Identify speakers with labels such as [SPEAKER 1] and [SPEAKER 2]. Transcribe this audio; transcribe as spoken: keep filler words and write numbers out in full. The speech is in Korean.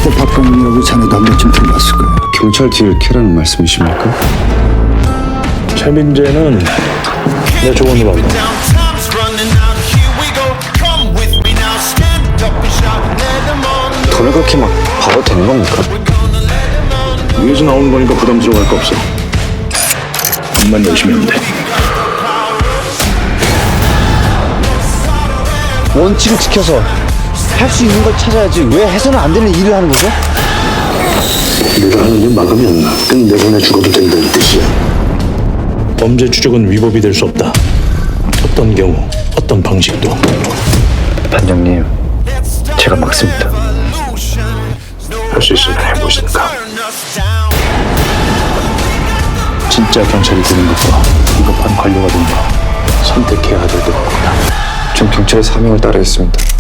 [SPEAKER 1] 그래서 박광민이라고 자네도 한 번쯤 들어봤을 거야.
[SPEAKER 2] 경찰 뒤를 캐라는 말씀이십니까?
[SPEAKER 3] 최민재는 내 조언으로 한다.
[SPEAKER 2] 돈을 그렇게 막 벌어도 되는 겁니까?
[SPEAKER 3] 위에서 나오는 거니까 부담스러워할 거 없어. 돈만 열심히 하면 돼.
[SPEAKER 4] 원칙을 지켜서 할 수 있는 걸 찾아야지 왜 해서는 안 되는 일을 하는 거죠?
[SPEAKER 2] 내가 하는 일 막으면 끝내보내 죽어도 된다는 뜻이야.
[SPEAKER 3] 범죄 추적은 위법이 될 수 없다. 어떤 경우, 어떤 방식도.
[SPEAKER 2] 반장님, 제가 막습니다.
[SPEAKER 3] 할 수 있으면 해보시니까. 진짜 경찰이 되는 것과 비겁한 관료가 되는 거 선택해야 될 때가 왔다.
[SPEAKER 2] 전 경찰의 사명을 따르겠습니다.